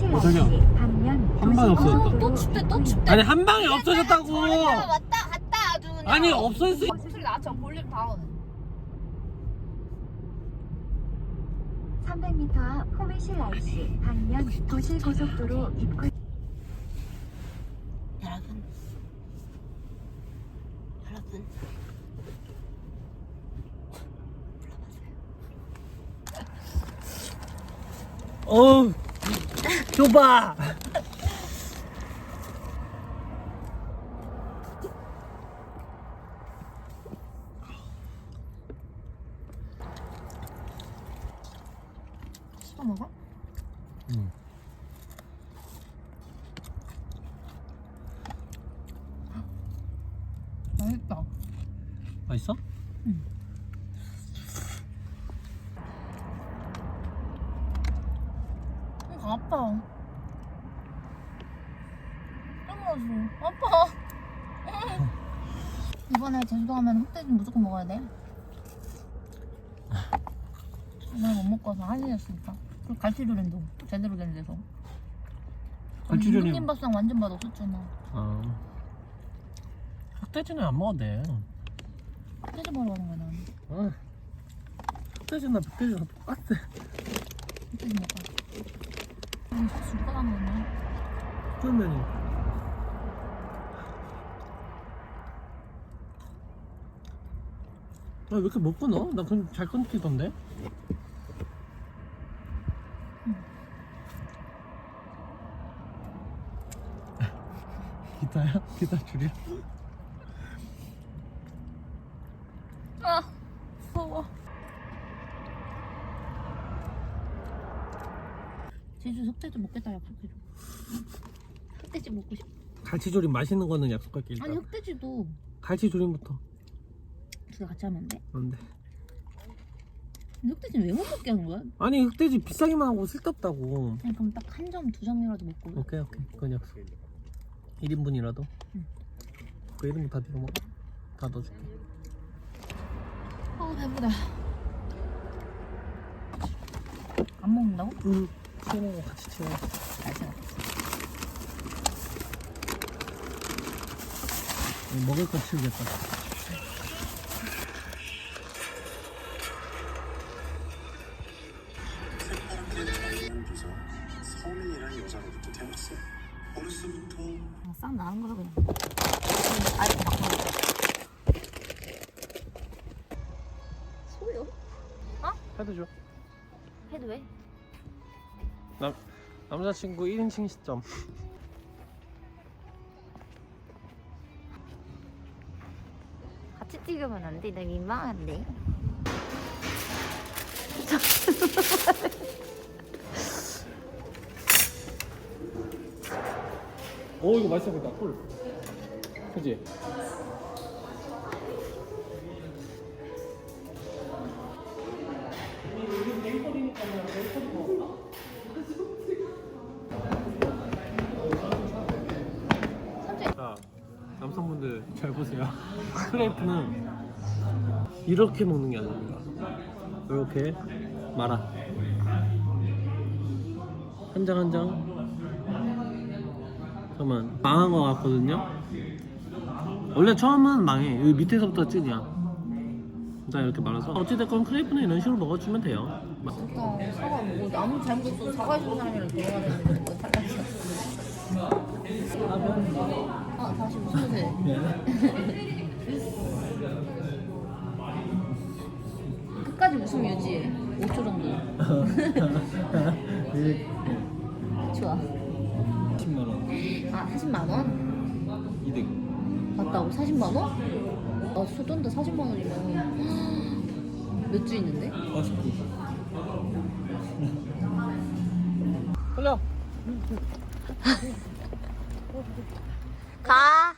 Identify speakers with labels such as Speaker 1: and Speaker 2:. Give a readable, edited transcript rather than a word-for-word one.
Speaker 1: 저기요. 한 방에 없어졌다.
Speaker 2: 또 춥대 또 춥대.
Speaker 1: 아니 한 방에 없어졌다고.
Speaker 2: 왔다 갔다 아주 그냥.
Speaker 1: 아니 없어졌어.
Speaker 2: 목소리 낮춰 볼륨 다운.
Speaker 3: 300m 앞 호미실 IC 방면 도시고속도로 입구.
Speaker 2: 여러분
Speaker 1: 어우 좁아.
Speaker 2: 씹어 먹어?
Speaker 1: 응.
Speaker 2: 맛있다.
Speaker 1: 맛있어?
Speaker 2: 응. 아파. 땀나지? 아파. 이번에 제주도 가면 흑돼지 무조건 먹어야 돼. 난 못 먹고 와서 한일이었으니까. 그리고 갈치조림도 제대로 된 데서.
Speaker 1: 갈치조림.
Speaker 2: 김밥상 완전 맛 없었잖아.
Speaker 1: 아. 흑돼지는 안 먹어도 돼.
Speaker 2: 흑돼지 먹으러 가는 거야 나는.
Speaker 1: 아. 흑돼지나 흑돼지나 똑같아.
Speaker 2: 흑돼지 먹어. 누가 가는 거냐?
Speaker 1: 쫄면이. 아, 왜 이렇게 못 끊어? 나 그냥 잘 끊기던데? 기타야? 기타 줄이야?
Speaker 2: 아, 무서워. 제주 흑돼지 먹겠다 약속해줘. 흑돼지 먹고 싶어.
Speaker 1: 갈치조림 맛있는 거는 약속할게 일단.
Speaker 2: 아니 흑돼지도
Speaker 1: 갈치조림부터.
Speaker 2: 둘 다 같이 하면 안 돼?
Speaker 1: 안 돼.
Speaker 2: 근데 흑돼지는 왜 못 먹게 하는 거야?
Speaker 1: 아니 흑돼지 비싸기만 하고 쓸데없다고.
Speaker 2: 아니 그럼 딱 한 점, 두 점이라도 먹고.
Speaker 1: 오케이 그건 약속. 1인분이라도.
Speaker 2: 응.
Speaker 1: 그 1인분 다 네가 먹어. 다 넣어줄게.
Speaker 2: 아 배부르다. 안 먹는다고?
Speaker 1: 응. 치우는 거 같이 치워.
Speaker 2: 알았어.
Speaker 1: 먹을 거 치우겠다.
Speaker 4: 서민이라는 여자로부터 태웠어. 어렸을부터
Speaker 2: 싹 나는 거야 그냥. 아이고 바꿔. 소요?
Speaker 1: 해도 줘.
Speaker 2: 해도 왜?
Speaker 1: 남자친구 1인칭 시점.
Speaker 2: 같이 찍으면 안 돼. 나 민망한데.
Speaker 1: 오 이거 맛있어 보인다. 꿀. 그지? 자, 남성분들 잘 보세요. 크레이프는 이렇게 먹는 게 아닙니다. 이렇게 말아. 한 장 한 장. 잠깐만 망한 거 같거든요. 원래 처음은 망해. 여기 밑에서부터 찐이야. 일단 이렇게 말아서 어찌됐건 크레이프는 이런 식으로 먹어주면 돼요.
Speaker 2: 진짜 사과 뭐 아무 잘못 없어. 사과 준 사람이랑 결혼해야 되는 거 탈락이야. 아 다시 무슨 새? 끝까지 웃음 유지해. 5초 정도. 좋아.
Speaker 1: 10만 원.
Speaker 2: 아 40만 원?
Speaker 1: 이득.
Speaker 2: 맞다고 40만 원? 아 소돈도 40만 원이면 몇 주 있는데?
Speaker 1: 49. 흘려.
Speaker 2: 가.